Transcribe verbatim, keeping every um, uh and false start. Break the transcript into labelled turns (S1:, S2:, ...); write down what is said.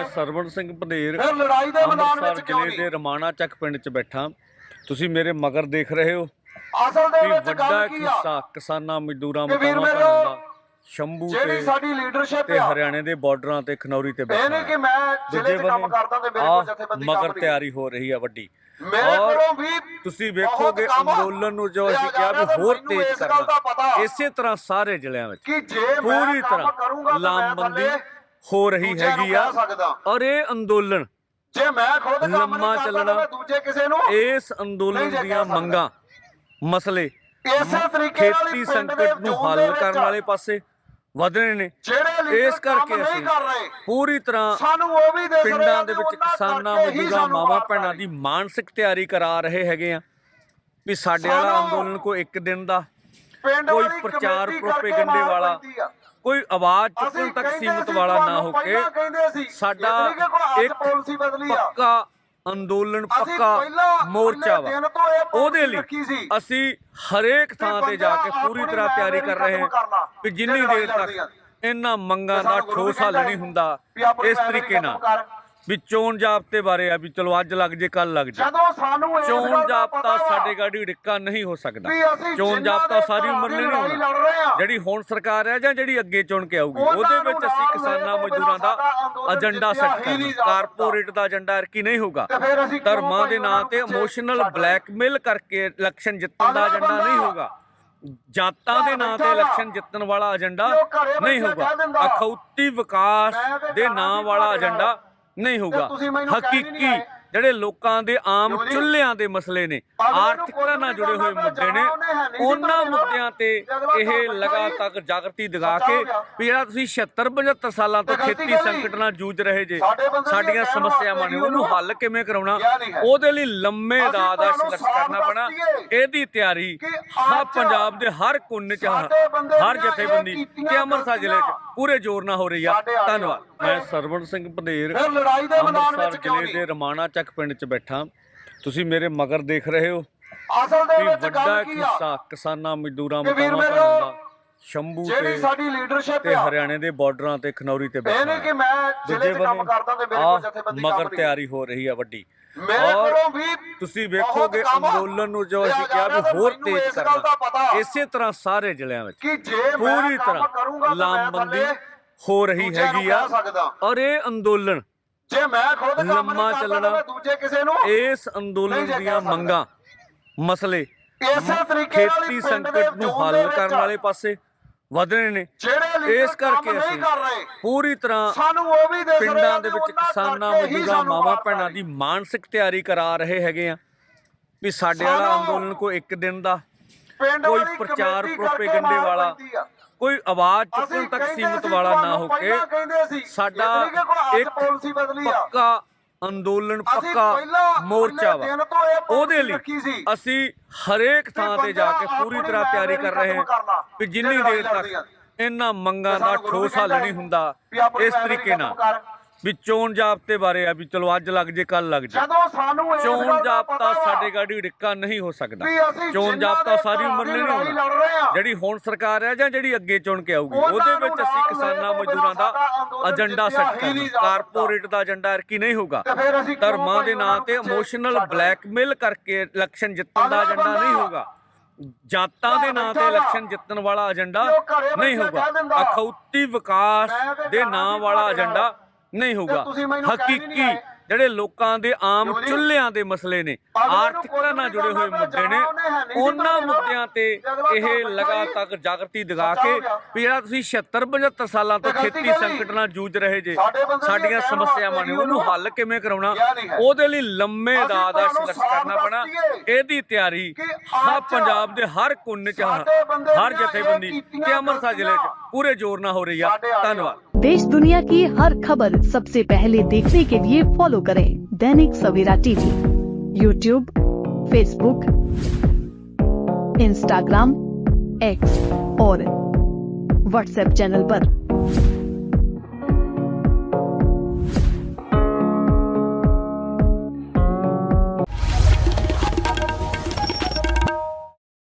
S1: ਸਰਵਣ ਸਿੰਘ ਪੰਧੇਰ
S2: ਫਿਰ ਲੜਾਈ ਦੇ ਮੈਦਾਨ
S1: ਅੰਮ੍ਰਿਤਸਰ
S2: ਵਿੱਚ ਕਿਉਂ
S1: ਜ਼ਿਲ੍ਹੇ
S2: ਨਹੀਂ?
S1: ਦੇ ਰਮਾਣਾ ਚੱਕ ਪਿੰਡ 'ਚ ਬੈਠਾ। ਤੁਸੀਂ ਮੇਰੇ ਮਗਰ ਦੇਖ ਰਹੇ ਹੋ
S2: ਅਸਲ ਦੇ
S1: ਕਿ
S2: ਵਿੱਚ
S1: ਵੱਡਾ
S2: ਗੱਲ ਕੀ ਆ
S1: ਹਿੱਸਾ ਕਿਸਾਨਾਂ ਮਜ਼ਦੂਰਾਂ
S2: ਕਿ ਵੀਰ
S1: ਮਾਤਾਵਾਂ
S2: ਮੇਰਿਓ,
S1: ਭੈਣਾਂ ਦਾ ਸ਼ੰਭੂ
S2: ਜਿਹੜੀ
S1: ਤੇ
S2: ਸਾਡੀ ਲੀਡਰਸ਼ਿਪ
S1: ਤੇ
S2: ਆ,
S1: ਹਰਿਆਣੇ ਦੇ ਬਾਰਡਰਾਂ ਤੇ ਖਨੌਰੀ ਤੇ
S2: ਇਹ
S1: ਬੈਠਾ
S2: ਨਹੀਂ
S1: ਹੈ।
S2: ਕਿ ਮੈਂ ਜ਼ਿਲ੍ਹੇ
S1: ਦੂਜੇ
S2: 'ਚ ਕੰਮ
S1: ਬੰਨੇ
S2: ਕਰਦਾ ਤੇ ਮੇਰੇ
S1: ਆਹ
S2: ਕੋਲ ਜਥੇਬੰਦੀ ਕੰਮ
S1: ਮਗਰ
S2: ਨਹੀਂ।
S1: ਤਿਆਰੀ ਹੋ ਰਹੀ ਹੈ ਵੱਡੀ।
S2: ਮੇਰੇ
S1: ਔਰ
S2: ਕੋਲੋਂ ਵੀ
S1: ਤੁਸੀਂ
S2: ਬਹੁਤ
S1: ਵੇਖੋਗੇ
S2: ਕੰਮ ਆ।
S1: ਅੰਦੋਲਨ ਨੂੰ ਜੋ
S2: ਤੇ
S1: ਅਸੀਂ ਕਿਹਾ ਵੀ
S2: ਮੈਨੂੰ
S1: ਹੋਰ
S2: ਇਸ
S1: ਤੇਜ਼
S2: ਗੱਲ ਦਾ ਪਤਾ
S1: ਕਰਨਾ, ਇਸੇ ਤਰ੍ਹਾਂ ਸਾਰੇ ਜ਼ਿਲ੍ਹਿਆਂ ਵਿੱਚ
S2: ਕਿ ਜੇ ਮੈਂ
S1: ਪੂਰੀ
S2: ਕੰਮ ਕਰੂੰਗਾ
S1: ਤਰ੍ਹਾਂ
S2: ਤਾਂ ਮੈਂ
S1: ਲਾਮਬੰਦੀ
S2: ਥੱਲੇ
S1: ਹੋ ਰਹੀ
S2: ਦੂਜਿਆਂ ਨੂੰ
S1: ਹੈਗੀ ਆ।
S2: ਕਹਿ ਸਕਦਾ।
S1: ਔਰ ਇਹ ਅੰਦੋਲਨ
S2: ਜੇ ਮੈਂ ਖੁਦ ਕੰਮ
S1: ਲੰਮਾ
S2: ਨਹੀਂ ਕਰਦਾ
S1: ਚੱਲਣਾ,
S2: ਤਾਂ ਮੈਂ ਦੂਜੇ ਕਿਸੇ ਨੂੰ
S1: ਇਸ
S2: ਨਹੀਂ
S1: ਅੰਦੋਲਨ
S2: ਜੇ
S1: ਦੀਆਂ
S2: ਕਹਿ ਸਕਦਾ।
S1: ਮੰਗਾਂ ਮਸਲੇ
S2: ਇਸੇ ਤਰੀਕੇ ਨਾਲ
S1: ਖੇਤੀ
S2: ਹੀ ਪਿੰਡ
S1: ਸੰਕਟ
S2: ਦੇ
S1: ਨੂੰ
S2: ਜ਼ੋਨ
S1: ਹੱਲ
S2: ਦੇ ਵਿੱਚ
S1: ਕਰਨ ਵਾਲੇ ਪਾਸੇ ਵਧਣੇ ਨੇ।
S2: ਜਿਹੜੇ ਲੀਡਰ
S1: ਇਸ ਕਰਕੇ
S2: ਕੰਮ ਨਹੀਂ
S1: ਅਸੀਂ
S2: ਕਰ ਰਹੇ,
S1: ਪੂਰੀ ਤਰ੍ਹਾਂ
S2: ਸਾਨੂੰ ਉਹ ਵੀ ਦਿਸ ਰਿਹਾ
S1: ਪਿੰਡਾਂ ਦੇ
S2: ਵੀ
S1: ਵਿੱਚ
S2: ਉਹਨਾਂ
S1: ਕਿਸਾਨਾਂ
S2: ਕਰਕੇ ਹੀ
S1: ਮਜ਼ਦੂਰਾਂ
S2: ਸਾਨੂੰ
S1: ਮਾਵਾਂ
S2: ਬਾਤ
S1: ਭੈਣਾਂ
S2: ਆ
S1: ਦੀ ਮਾਨਸਿਕ ਤਿਆਰੀ ਕਰਾ ਰਹੇ ਹੈਗੇ ਆ ਵੀ ਸਾਡੇ ਵਾਲਾ
S2: ਸਾਨੂੰ
S1: ਅੰਦੋਲਨ ਕੋਈ ਇੱਕ ਦਿਨ ਦਾ,
S2: ਪਿੰਡ
S1: ਕੋਈ
S2: ਵਾਲੀ
S1: ਪ੍ਰਚਾਰ
S2: ਕਮੇਟੀ
S1: ਪ੍ਰੋਪੇਗੰਡੇ
S2: ਕਰਕੇ ਮਾਰ
S1: ਵਾਲਾ,
S2: ਪੈਂਦੀ ਆ।
S1: ਕੋਈ ਆਵਾਜ਼ ਚੁੱਕਣ
S2: ਅਸੀਂ
S1: ਤੱਕ
S2: ਕਹਿੰਦੇ
S1: ਸੀਮਿਤ
S2: ਸੀ,
S1: ਵਾਲਾ ਨਾ
S2: ਤੁਹਾਨੂੰ
S1: ਹੋ ਕੇ
S2: ਪਹਿਲਾਂ ਕਹਿੰਦੇ ਸੀ,
S1: ਸਾਡਾ
S2: ਇਹ ਨਹੀਂ ਕਿ ਕੋਈ ਅੱਜ
S1: ਇੱਕ
S2: ਪਾਲਿਸੀ ਬਦਲੀ ਆ।
S1: ਪੱਕਾ ਅੰਦੋਲਨ,
S2: ਅਸੀਂ
S1: ਪੱਕਾ
S2: ਪਹਿਲਾਂ
S1: ਮੋਰਚਾ ਵਾ।
S2: ਦਿਨ ਤੋਂ ਇਹ
S1: ਉਹਦੇ
S2: ਪਾਲਿਸੀ
S1: ਲਈ
S2: ਰੱਖੀ ਸੀ
S1: ਅਸੀਂ ਹਰੇਕ ਥਾਂ ਤੇ ਜਾ ਕੇ ਪੂਰੀ ਤਰ੍ਹਾਂ ਤਿਆਰੀ ਕਰ ਰਹੇ ਹਾਂ ਕਿ ਜਿੰਨੀ ਦੇਰ ਤੱਕ ਇਹਨਾਂ ਮੰਗਾਂ ਦਾ ਠੋਸ ਹੱਲ ਨਹੀਂ ਹੁੰਦਾ, ਇਸ ਤਰੀਕੇ ਨਾਲ ਵੀ ਚੋਣ ਜਾਬਤੇ ਬਾਰੇ ਆ ਵੀ ਚਲੋ ਅੱਜ ਲੱਗ ਜੇ ਕੱਲ ਲੱਗ ਜੇ,
S2: ਜਦੋਂ ਸਾਨੂੰ ਇਸ ਗੱਲ
S1: ਚੋਣ
S2: ਦਾ
S1: ਜਾਬਤਾ
S2: ਪਤਾ
S1: ਸਾਡੇ ਗਾੜੀ ਡਿੱਕਾ ਨਹੀਂ ਹੋ ਸਕਦਾ।
S2: ਵੀ ਅਸੀਂ
S1: ਚੋਣ
S2: ਜਿਨ੍ਹਾਂ
S1: ਜਾਬਤਾ
S2: ਦੇ
S1: ਸਾਰੀ ਉਮਰ ਲਈ ਨਹੀਂ
S2: ਲੜਾਈ
S1: ਹੋਣਾ।
S2: ਲੜ ਰਹੇ ਆ,
S1: ਜਿਹੜੀ ਹੁਣ ਸਰਕਾਰ ਹੈ ਜਾਂ ਜਿਹੜੀ ਅੱਗੇ ਚੁਣ ਕੇ ਆਊਗੀ,
S2: ਉਹਨਾਂ
S1: ਉਹਦੇ
S2: ਨੂੰ
S1: ਵਿੱਚ ਅਸੀਂ
S2: ਨਾਲ
S1: ਕਿਸਾਨਾਂ
S2: ਲੈ ਕੇ
S1: ਮਜ਼ਦੂਰਾਂ ਦਾ
S2: ਸਾਡਾ ਅੰਦੋਲਨ
S1: ਏਜੰਡਾ
S2: ਜਿੱਤਿਆ
S1: ਸੈੱਟ
S2: ਹੀ
S1: ਕਰਨਾ।
S2: ਨਹੀਂ ਜਾ
S1: ਕਾਰਪੋਰੇਟ ਦਾ ਏਜੰਡਾ ਐਰਕੀ ਨਹੀਂ ਹੋਊਗਾ।
S2: ਤੇ ਫਿਰ ਅਸੀਂ ਕਿਉਂ
S1: ਧਰਮਾਂ ਦੇ
S2: ਭਾਈ
S1: ਨਾਂ ਤੇ
S2: ਉਹਨਾਂ ਨੂੰ
S1: ਇਮੋਸ਼ਨਲ
S2: ਛੱਡ ਰਹੇ?
S1: ਬਲੈਕਮੇਲ ਕਰਕੇ ਇਲੈਕਸ਼ਨ ਜਿੱਤਣ ਦਾ
S2: ਅਗਲਾ
S1: ਏਜੰਡਾ
S2: ਬੰਦਾ
S1: ਨਹੀਂ ਹੋਊਗਾ। ਜਾਤਾਂ ਦੇ ਨਾਂ ਤੇ
S2: ਬੈਠਾ
S1: ਇਲੈਕਸ਼ਨ ਜਿੱਤਣ ਵਾਲਾ ਏਜੰਡਾ
S2: ਜੋ ਘਰੇ
S1: ਨਹੀਂ
S2: ਬੈਠਾ
S1: ਹੋਊਗਾ।
S2: ਕਹਿ ਦਿੰਦਾ,
S1: ਅਖੌਤੀ ਵਿਕਾਸ
S2: ਮੈਂ ਤੇ
S1: ਦੇ
S2: ਜਾਣਾ
S1: ਨਾਂ
S2: ਸੀ
S1: ਵਾਲਾ
S2: ਤੁਹਾਡੇ ਨਾਲ।
S1: ਏਜੰਡਾ ਨਹੀਂ ਹੋਊਗਾ।
S2: ਤੁਸੀਂ ਮੈਨੂੰ ਕਹਿ ਨਹੀਂ
S1: ਹਕੀਕੀ
S2: ਆਏ।
S1: ਜਿਹੜੇ ਲੋਕਾਂ ਦੇ ਆਮ
S2: ਕਿਉਂ ਜੀ?
S1: ਚੁੱਲ੍ਹਿਆਂ ਦੇ ਮਸਲੇ ਨੇ,
S2: ਅਗਲੇ ਨੂੰ
S1: ਆਰਥਿਕਤਾ
S2: ਕੋਈ
S1: ਨਾਲ ਜੁੜੇ ਹੋਏ
S2: ਕਰਨਾ
S1: ਮੁੱਦੇ ਨੇ,
S2: ਜਾਣਾ ਉਹਨੇ ਹੈ ਨਹੀਂ ਸੀ
S1: ਉਹਨਾਂ
S2: ਤੁਹਾਡੇ ਨਾਲ।
S1: ਮੁੱਦਿਆਂ ਤੇ
S2: ਤੇ ਅਗਲਾ
S1: ਇਹ
S2: ਕੰਮ
S1: ਲਗਾਤਾਰ ਜਾਗਰਤੀ ਦਿਖਾ
S2: ਸੱਚਾ
S1: ਕੇ
S2: ਹੋ ਗਿਆ।
S1: ਵੀ ਜਿਹੜਾ ਤੁਸੀਂ ਛਿਅੱਤਰ ਪਝੱਤਰ ਸਾਲਾਂ ਤੋਂ
S2: ਤੇ ਗਲਤੀ
S1: ਖੇਤੀ
S2: ਕਾਹਦੀ?
S1: ਸੰਕਟ ਨਾਲ ਜੂਝ ਰਹੇ ਜੇ,
S2: ਸਾਡੇ ਬੰਦੇ ਦੀਆਂ
S1: ਸਾਡੀਆਂ
S2: ਕਹਿਣ
S1: ਸਮੱਸਿਆਵਾਂ
S2: ਵਾਸਤੇ
S1: ਨੇ, ਉਹਨੂੰ
S2: ਉਹਨੂੰ
S1: ਹੱਲ ਕਿਵੇਂ ਕਰਾਉਣਾ,
S2: ਕਿਹਾ ਨਹੀਂ ਹੈ।
S1: ਉਹਦੇ ਲਈ ਲੰਮੇ
S2: ਅਸੀਂ
S1: ਦਾ ਦਾ
S2: ਤੁਹਾਨੂੰ
S1: ਸੰਘਰਸ਼
S2: ਸਾਫ਼
S1: ਕਰਨਾ ਪੈਣਾ।
S2: ਦੱਸੀਏ
S1: ਇਹਦੀ ਤਿਆਰੀ
S2: ਕਿ
S1: ਹਾਂ
S2: ਅੱਜ
S1: ਪੰਜਾਬ ਦੇ ਹਰ ਕੋਨੇ ਚ,
S2: ਸਾਡੇ ਬੰਦੇ
S1: ਹਰ
S2: ਦੀਆਂ
S1: ਜਥੇਬੰਦੀ
S2: ਇਹ ਕੀਤੀਆਂ
S1: ਤੇ ਅੰਮ੍ਰਿਤਸਰ ਜ਼ਿਲ੍ਹੇ ਚ
S2: ਗਲਤੀਆਂ
S1: ਪੂਰੇ ਜ਼ੋਰ ਨਾਲ ਹੋ ਰਹੀ ਆ।
S2: ਸਾਡੇ ਆ ਗਏ।
S1: ਧੰਨਵਾਦ। ਮੈਂ ਸਰਵਣ ਸਿੰਘ ਪੰਧੇਰ
S2: ਫਿਰ ਲੜਾਈ ਦੇ ਮੈਦਾਨ
S1: ਅੰਮ੍ਰਿਤਸਰ
S2: ਵਿੱਚ ਕਿਉਂ
S1: ਜ਼ਿਲ੍ਹੇ ਦੇ
S2: ਨਹੀਂ?
S1: ਰਮਾਣਾ ਚੱਕ ਪਿੰਡ 'ਚ ਬੈਠਾ। ਤੁਸੀਂ ਮੇਰੇ ਮਗਰ ਦੇਖ ਰਹੇ ਹੋ
S2: ਅਸਲ ਦੇ
S1: ਕਿ
S2: ਵਿੱਚ
S1: ਵੱਡਾ
S2: ਗੱਲ ਕੀ ਆ
S1: ਹਿੱਸਾ ਕਿਸਾਨਾਂ ਮਜ਼ਦੂਰਾਂ
S2: ਕਿ ਵੀਰ
S1: ਮਾਤਾਵਾਂ
S2: ਮੇਰਿਓ,
S1: ਭੈਣਾਂ ਦਾ ਸ਼ੰਭੂ
S2: ਜਿਹੜੀ
S1: ਤੇ
S2: ਸਾਡੀ ਲੀਡਰਸ਼ਿਪ
S1: ਤੇ
S2: ਆ,
S1: ਹਰਿਆਣੇ ਦੇ ਬਾਰਡਰਾਂ ਤੇ ਖਨੌਰੀ ਤੇ
S2: ਇਹ
S1: ਬੈਠਾ
S2: ਨਹੀਂ ਕਿ
S1: ਹੈ।
S2: ਮੈਂ ਜ਼ਿਲ੍ਹੇ
S1: ਦੂਜੇ
S2: 'ਚ ਕੰਮ
S1: ਬੰਨੇ
S2: ਕਰਦਾ ਤੇ ਮੇਰੇ ਕੋਲ
S1: ਆਹ
S2: ਜਥੇਬੰਦੀ
S1: ਮਗਰ
S2: ਕੰਮ ਨਹੀਂ।
S1: ਤਿਆਰੀ ਹੋ ਰਹੀ ਹੈ ਵੱਡੀ।
S2: ਮੇਰੇ
S1: ਔਰ
S2: ਕੋਲੋਂ ਵੀ
S1: ਤੁਸੀਂ
S2: ਬਹੁਤ
S1: ਵੇਖੋਗੇ
S2: ਕੰਮ ਆ।
S1: ਅੰਦੋਲਨ ਨੂੰ ਜੋ
S2: ਤੇ
S1: ਅਸੀਂ ਕਿਹਾ ਵੀ
S2: ਮੈਨੂੰ
S1: ਹੋਰ
S2: ਇਸ
S1: ਤੇਜ਼
S2: ਗੱਲ ਦਾ
S1: ਕਰਨਾ,
S2: ਪਤਾ
S1: ਇਸੇ ਤਰ੍ਹਾਂ ਸਾਰੇ ਜ਼ਿਲ੍ਹਿਆਂ ਵਿੱਚ
S2: ਕਿ ਜੇ ਮੈਂ
S1: ਪੂਰੀ
S2: ਕੰਮ
S1: ਤਰ੍ਹਾਂ
S2: ਕਰੂੰਗਾ ਤਾਂ ਮੈਂ
S1: ਲਾਮਬੰਦੀ
S2: ਥੱਲੇ
S1: ਹੋ ਰਹੀ
S2: ਦੂਜਿਆਂ ਨੂੰ
S1: ਹੈਗੀ ਆ।
S2: ਕਹਿ ਸਕਦਾ।
S1: ਔਰ ਇਹ ਅੰਦੋਲਨ
S2: ਜੇ ਮੈਂ ਖੁਦ ਕੰਮ
S1: ਲੰਮਾ
S2: ਨਹੀਂ ਕਰਦਾ
S1: ਚੱਲਣਾ,
S2: ਤਾਂ ਮੈਂ ਦੂਜੇ ਕਿਸੇ ਨੂੰ
S1: ਇਸ
S2: ਨਹੀਂ
S1: ਅੰਦੋਲਨ
S2: ਜੇ
S1: ਦੀਆਂ
S2: ਕਹਿ ਸਕਦਾ।
S1: ਮੰਗਾਂ ਮਸਲੇ
S2: ਇਸੇ ਤਰੀਕੇ ਨਾਲ ਹੀ
S1: ਖੇਤੀ
S2: ਪਿੰਡ ਦੇ
S1: ਸੰਕਟ ਨੂੰ
S2: ਜ਼ੋਨ ਦੇ
S1: ਹੱਲ ਕਰਨ
S2: ਵਿੱਚ
S1: ਵਾਲੇ ਪਾਸੇ ਵਧਣੇ ਨੇ।
S2: ਜਿਹੜੇ ਲੀਡਰ
S1: ਇਸ ਕਰਕੇ
S2: ਕੰਮ ਨਹੀਂ
S1: ਅਸੀਂ
S2: ਕਰ ਰਹੇ,
S1: ਪੂਰੀ ਤਰ੍ਹਾਂ
S2: ਸਾਨੂੰ ਉਹ ਵੀ ਦਿਸ ਰਿਹਾ
S1: ਪਿੰਡਾਂ ਦੇ
S2: ਵੀ
S1: ਵਿੱਚ
S2: ਉਹਨਾਂ
S1: ਕਿਸਾਨਾਂ
S2: ਕਰਕੇ ਹੀ
S1: ਮਜ਼ਦੂਰਾਂ
S2: ਸਾਨੂੰ
S1: ਮਾਵਾਂ
S2: ਬਾਤ
S1: ਭੈਣਾਂ
S2: ਆ
S1: ਦੀ ਮਾਨਸਿਕ ਤਿਆਰੀ ਕਰਾ ਰਹੇ ਹੈਗੇ ਆ ਵੀ ਸਾਡੇ ਵਾਲਾ
S2: ਸਾਨੂੰ
S1: ਅੰਦੋਲਨ ਕੋਈ ਇੱਕ ਦਿਨ ਦਾ,
S2: ਪਿੰਡ
S1: ਕੋਈ
S2: ਵਾਲੀ
S1: ਪ੍ਰਚਾਰ
S2: ਕਮੇਟੀ
S1: ਪ੍ਰੋਪੇਗੰਡੇ
S2: ਕਰਕੇ ਮਾਰ
S1: ਵਾਲਾ,
S2: ਪੈਂਦੀ ਆ।
S1: ਕੋਈ ਆਵਾਜ਼
S2: ਅਸੀਂ
S1: ਚੁੱਕਣ ਤੱਕ
S2: ਕਹਿੰਦੇ
S1: ਸੀਮਿਤ
S2: ਸੀ,
S1: ਵਾਲਾ ਨਾ
S2: ਤੁਹਾਨੂੰ
S1: ਹੋ ਕੇ
S2: ਪਹਿਲਾਂ ਕਹਿੰਦੇ ਸੀ,
S1: ਸਾਡਾ
S2: ਇਹ ਨਹੀਂ ਕਿ ਕੋਈ ਅੱਜ
S1: ਇੱਕ
S2: ਪਾਲਿਸੀ ਬਦਲੀ ਆ।
S1: ਪੱਕਾ ਅੰਦੋਲਨ,
S2: ਅਸੀਂ
S1: ਪੱਕਾ
S2: ਪਹਿਲਾਂ
S1: ਮੋਰਚਾ ਵਾ।
S2: ਦਿਨ ਤੋਂ ਇਹ
S1: ਉਹਦੇ
S2: ਪਾਲਿਸੀ
S1: ਲਈ
S2: ਰੱਖੀ ਸੀ।
S1: ਅਸੀਂ ਹਰੇਕ ਥਾਂ ਤੇ ਜਾ ਕੇ ਪੂਰੀ ਤਰ੍ਹਾਂ ਤਿਆਰੀ ਕਰ ਰਹੇ ਹਾਂ ਵੀ ਜਿੰਨੀ ਦੇਰ ਤੱਕ ਇਹਨਾਂ ਮੰਗਾਂ ਦਾ ਠੋਸ ਹੱਲ ਨਹੀਂ ਹੁੰਦਾ, ਇਸ ਤਰੀਕੇ ਨਾਲ ਵੀ ਚੋਣ ਜਾਬਤੇ ਬਾਰੇ ਆ ਵੀ ਚਲੋ ਅੱਜ ਲੱਗ ਜੇ ਕੱਲ ਲੱਗ ਜੇ,
S2: ਜਦੋਂ ਸਾਨੂੰ ਇਸ
S1: ਚੋਣ
S2: ਗੱਲ ਦਾ
S1: ਜਾਬਤਾ
S2: ਪਤਾ
S1: ਸਾਡੇ ਗਾੜੀ ਡਿੱਕਾ ਨਹੀਂ ਹੋ ਸਕਦਾ।
S2: ਵੀ ਅਸੀਂ
S1: ਚੋਣ
S2: ਜਿਨ੍ਹਾਂ
S1: ਜਾਬਤਾ
S2: ਦੇ
S1: ਸਾਰੀ ਉਮਰ ਲਈ ਨਹੀਂ
S2: ਲੜਾਈ
S1: ਹੋਣਾ।
S2: ਲੜ ਰਹੇ ਆ,
S1: ਜਿਹੜੀ ਹੁਣ ਸਰਕਾਰ ਹੈ ਜਾਂ ਜਿਹੜੀ ਅੱਗੇ ਚੁਣ ਕੇ ਆਊਗੀ,
S2: ਉਹਨਾਂ
S1: ਉਹਦੇ
S2: ਨੂੰ
S1: ਵਿੱਚ ਅਸੀਂ
S2: ਨਾਲ
S1: ਕਿਸਾਨਾਂ
S2: ਲੈ ਕੇ
S1: ਮਜ਼ਦੂਰਾਂ ਦਾ
S2: ਸਾਡਾ ਅੰਦੋਲਨ
S1: ਏਜੰਡਾ
S2: ਜਿੱਤਿਆ
S1: ਸੈੱਟ
S2: ਹੀ ਨਹੀਂ
S1: ਕਰਨਾ।
S2: ਜਾ
S1: ਕਾਰਪੋਰੇਟ ਦਾ ਏਜੰਡਾ ਐਰਕੀ ਨਹੀਂ ਹੋਊਗਾ।
S2: ਤੇ ਫਿਰ ਅਸੀਂ ਕਿਉਂ
S1: ਧਰਮਾਂ ਦੇ
S2: ਭਾਈ
S1: ਨਾਂ
S2: ਉਹਨਾਂ
S1: ਤੇ
S2: ਨੂੰ
S1: ਇਮੋਸ਼ਨਲ
S2: ਛੱਡ ਰਹੇ?
S1: ਬਲੈਕਮੇਲ ਕਰਕੇ ਇਲੈਕਸ਼ਨ ਜਿੱਤਣ ਦਾ
S2: ਅਗਲਾ
S1: ਏਜੰਡਾ ਨਹੀਂ
S2: ਬੰਦਾ
S1: ਹੋਊਗਾ। ਜਾਤਾਂ ਦੇ ਨਾਂ ਤੇ ਇਲੈਕਸ਼ਨ ਜਿੱਤਣ ਵਾਲਾ ਏਜੰਡਾ
S2: ਜੋ ਘਰੇ
S1: ਨਹੀਂ
S2: ਬੈਠਾ
S1: ਹੋਊਗਾ।
S2: ਕਹਿ ਦਿੰਦਾ,
S1: ਅਖੌਤੀ ਵਿਕਾਸ
S2: ਮੈਂ ਤੇ
S1: ਦੇ
S2: ਜਾਣਾ
S1: ਨਾਂ
S2: ਸੀ
S1: ਵਾਲਾ
S2: ਤੁਹਾਡੇ ਨਾਲ।
S1: ਏਜੰਡਾ ਨਹੀਂ ਹੋਊਗਾ।
S2: ਤੁਸੀਂ ਮੈਨੂੰ ਕਹਿ ਨਹੀਂ
S1: ਹਕੀਕੀ
S2: ਆਏ।
S1: ਜਿਹੜੇ ਲੋਕਾਂ ਦੇ ਆਮ
S2: ਕਿਉਂ ਜੀ?
S1: ਚੁੱਲ੍ਹਿਆਂ ਦੇ ਮਸਲੇ ਨੇ,
S2: ਅਗਲੇ ਨੂੰ
S1: ਆਰਥਿਕਤਾ
S2: ਕੋਈ
S1: ਨਾਲ ਜੁੜੇ ਹੋਏ
S2: ਕਰਨਾ
S1: ਮੁੱਦੇ ਨੇ,
S2: ਜਾਣਾ ਉਹਨੇ ਹੈ ਨਹੀਂ ਸੀ
S1: ਉਹਨਾਂ
S2: ਤੁਹਾਡੇ ਨਾਲ।
S1: ਮੁੱਦਿਆਂ ਤੇ
S2: ਤੇ ਅਗਲਾ
S1: ਇਹ
S2: ਕੰਮ
S1: ਲਗਾਤਾਰ ਜਾਗਰਤੀ ਦਿਖਾ
S2: ਸੱਚਾ
S1: ਕੇ
S2: ਹੋ ਗਿਆ।
S1: ਵੀ ਜਿਹੜਾ ਤੁਸੀਂ ਛਿਅੱਤਰ ਪਝੱਤਰ ਸਾਲਾਂ ਤੋਂ
S2: ਤੇ ਗਲਤੀ
S1: ਖੇਤੀ
S2: ਕਾਹਦੀ?
S1: ਸੰਕਟ ਨਾਲ ਜੂਝ ਰਹੇ ਜੇ,
S2: ਸਾਡੇ ਬੰਦੇ ਦੀਆਂ
S1: ਸਾਡੀਆਂ
S2: ਕਹਿਣ
S1: ਸਮੱਸਿਆਵਾਂ
S2: ਵਾਸਤੇ
S1: ਨੇ, ਉਹਨੂੰ
S2: ਉਹਨੂੰ
S1: ਹੱਲ ਕਿਵੇਂ ਕਰਾਉਣਾ,
S2: ਕਿਹਾ ਨਹੀਂ ਹੈ।
S1: ਉਹਦੇ ਲਈ ਲੰਮੇ
S2: ਅਸੀਂ
S1: ਦਾ ਦਾ
S2: ਤੁਹਾਨੂੰ
S1: ਸੰਘਰਸ਼
S2: ਸਾਫ਼
S1: ਕਰਨਾ ਪੈਣਾ।
S2: ਦੱਸੀਏ
S1: ਇਹਦੀ ਤਿਆਰੀ
S2: ਕਿ
S1: ਹਾਂ
S2: ਅੱਜ
S1: ਪੰਜਾਬ ਦੇ ਹਰ ਕੋਨੇ ਚ,
S2: ਸਾਡੇ ਬੰਦੇ
S1: ਹਰ
S2: ਦੀਆਂ
S1: ਜਥੇਬੰਦੀ
S2: ਇਹ ਕੀਤੀਆਂ
S1: ਤੇ ਅੰਮ੍ਰਿਤਸਰ ਜ਼ਿਲ੍ਹੇ ਚ
S2: ਗਲਤੀਆਂ
S1: ਪੂਰੇ ਜ਼ੋਰ ਨਾਲ ਹੋ ਰਹੀ ਆ।
S2: ਸਾਡੇ ਆ ਗਏ।
S1: ਧੰਨਵਾਦ।
S3: देश दुनिया की हर खबर सबसे पहले देखने के लिए फॉलो करें Dainik Savera TV, YouTube, Facebook, Instagram, X और व्हाट्सएप चैनल पर।